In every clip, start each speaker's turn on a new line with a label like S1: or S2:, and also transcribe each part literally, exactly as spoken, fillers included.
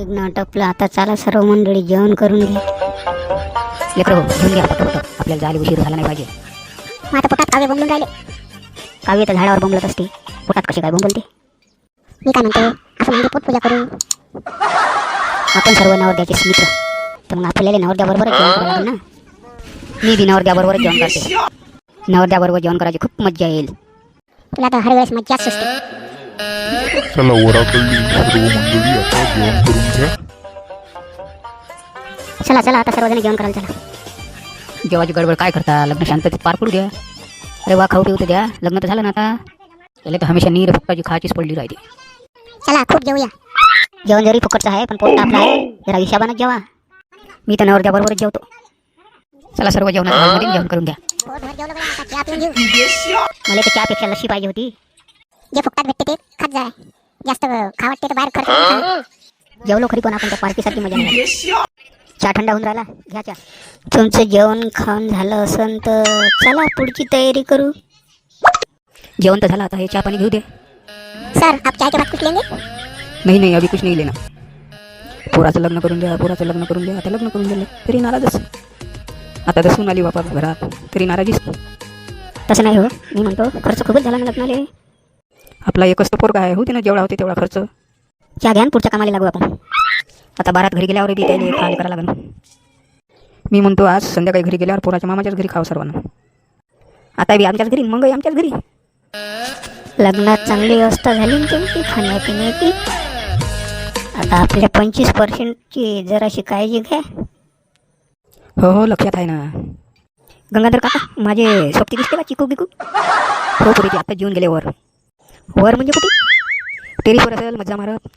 S1: निघणं टपलं. आता चला सर्व मंडळी जेवण करून घ्या.
S2: लेकरं घेऊन घ्या पटपट, आपल्याला जायला उशीर झाला नाही पाहिजे.
S1: मग आता पोटात काव्य बोंबलून राहिले. काव्य तर झाडावर बोंबलत असते, पोटात कशी काय बोंबलते? मी काय म्हणते, आपण म्हणजे पोटपूजा करू. आपण सर्व नवरदेवाचे मित्र, तर मग आपल्याला नवरदेवाबरोबरच जेवण करावं लागेल ना. मी बी नवरदेवाबरोबरच जेवण करते. नवरदेवाबरोबर जेवण करायची खूप मज्जा येईल. तुला तर हर वेळेस मज्जाच सुचते.
S3: चला वराकडली सर्व मंडळी आता जेवण करून घ्या.
S1: चला चला आता सर्वजण जेवण करायला चला.
S2: जेवाची गडबड काय करता, लग्न शांततेत पार पडू द्या. अरे वा, खाऊ पिऊ तर द्या. लग्न तर झालं ना आता. त्याला तर हमेशा नीर फुकटाची खाचीच पडली राहते.
S1: चला खूप जेवूया. जेवण जरी फुकटचं आहे पण पोट आपलं आहे, जरा हिशाबानच जेवा. मी तर नवरदेवाबरोबरच जेवतो.
S2: चला सर्व जेवणाच्या हॉलमध्ये जेवण करून घ्या.
S1: मला तर चहापेक्षा लस्सी पाहिजे होती. जे फुकटात भेटते ते खात जाय. जास्त खा वाटते तर बाहेर खर्च. जेवलो खरी पण आपण त्या पार्टीसाठी मजा नाही. चहा थंडा होऊन राहिला, घ्या चहा. तुमचं जेवण खाऊन झालं असन तर चला पुढची तयारी करू.
S2: जेवण तर झालं, आता हे चहा पाणी घेऊ दे.
S1: सर आप चाय के बाद कुछ लेंगे?
S2: नाही नाही, अभी कुछ नाही लेना. पोराचं लग्न करून द्या, पोराचं लग्न करून द्या. आता लग्न करून दिलं तरी नाराजच. आता तर सून आली बापा घरात, तरी नाराजीच.
S1: तसं नाही हो, मी म्हणतो खर्च खूपच झाला ना लग्नाले.
S2: आपला एकच तर पोरगा आहे, होते ना जेवढा होते तेवढा खर्च.
S1: चहा घ्या, पुढच्या कामाला लागू आपण.
S2: आता बारात घरी गेल्यावर बी त्याला खायला करावं लागेल. मी म्हणतो आज संध्याकाळी घरी गेल्यावर पोराच्या मामाच्याच घरी खावं सर्वांना. आता बी आमच्याच घरी, मगही आमच्याच घरी.
S1: लग्नात चांगली व्यवस्था झाली ना तुमची खाण्यापिण्याची. आता आपल्या पंचवीस पर्सेंटची जराशी काळजी घ्या.
S2: हो हो, लक्षात आहे ना.
S1: गंगाधर काका, माझे सोबती दिसते का चिकू बिकू?
S2: हो पुरीची आता जेवून गेले वर.
S1: वर म्हणजे कुठे?
S2: टेरिसवर असेल मज्जा मारत.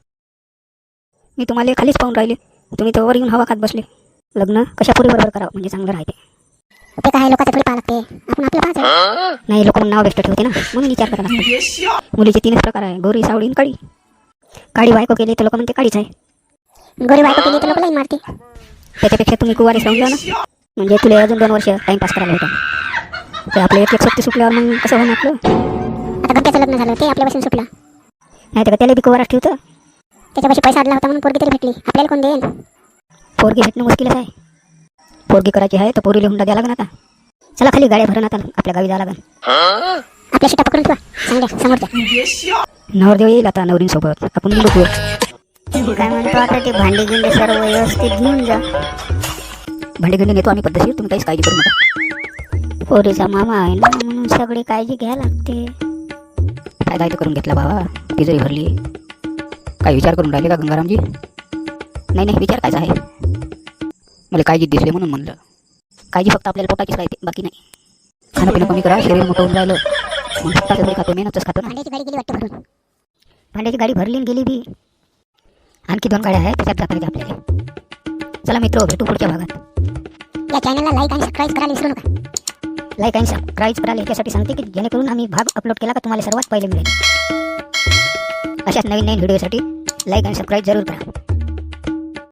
S1: मी तुम्हाला खालीच पाहून राहिले, तुम्ही तर वर येऊन हवा खात बसले. लग्न कशा पुरी बरोबर करावं म्हणजे चांगलं राहते. ते काय लोकांचं थोडी पाहा लागते, आपण आपलं पाहायचं. नाही लोक मग नाव बेस्ट ठेवते ना, म्हणून विचार करायला लागते. मुलीचे तीनच प्रकार आहे, गोरी, सावळी आणि काळी. काळी बायको केली तर लोक म्हणते काळीच आहे. गोरी बायको केली तर लोक लाईन मारते. त्याच्यापेक्षा तुम्ही कुवारीच राहून जा ना, म्हणजे तुला अजून दोन वर्ष टाइमपास करायला होता. ते आपलं एक एक सोबती सुटल्यावर मग कसं होणार आपलं? आता गंप्याचं लग्न झालं ते आपल्यापासून सुटलं, नाही तर त्याला बी कुवाराच ठेवतं. त्याच्यापाशी पैसा आडला होता म्हणून पोरगी तरी भेटली, आपल्याला कोण देईन? पोरगी भेटणं मुश्किलच आहे. पोरगी करायची आहे तर पोरीला हुंडा द्या लागेल आता. चला खाली गाड्या भरून आता आपल्या गावी जावं लागेल. आपल्या शिटा पकडून ठेवा चांगल्या समोरच्या.
S2: नवरदेव येईल आता नवरींसोबत, आपण निघू.
S1: काय म्हणतो आता ते भांडी गिंडे सर्व व्यवस्थित घेऊन जा.
S2: भांडे घेऊन येतो आम्ही पद्धतशीर, तुम्ही काहीच काळजी करू नका.
S1: पोरीचा मामा आहे ना म्हणून सगळी काळजी घ्यायला लागते.
S2: फायदा इथं करून घेतला बाबा, तिजोरी भरली. काय विचार करून राहिले का गंगारामजी? नाही नाही, विचार कायचा आहे. मला काळजी दिसले म्हणून म्हणलं. काळजी फक्त आपल्याला पोटाचीच राहते, बाकी नाही. खाणं पिणं कमी करा, शरीर मोठं होऊन राहिलं. मग फक्त तरी खातो, मेहनतच खातो ना.
S1: भांड्याची गाडी गेली वाटतं भरून. भांड्याची गाडी भरली आणि गेली बी. आणखी दोन गाड्या आहेत, त्याच्यात जाता येते आपल्याला. चला मित्र, भेटू पुढच्या भागात. या चॅनलला लाईक आणि सबस्क्राईब करायला विसरू नका. लाईक आणि सबस्क्राईब करायला याच्यासाठी सांगते की जेणेकरून आम्ही भाग अपलोड केला का तुम्हाला सर्वात पहिले मिळेल. अशाच नवीन नवीन व्हिडिओसाठी लाईक आणि सबस्क्राईब जरूर करा.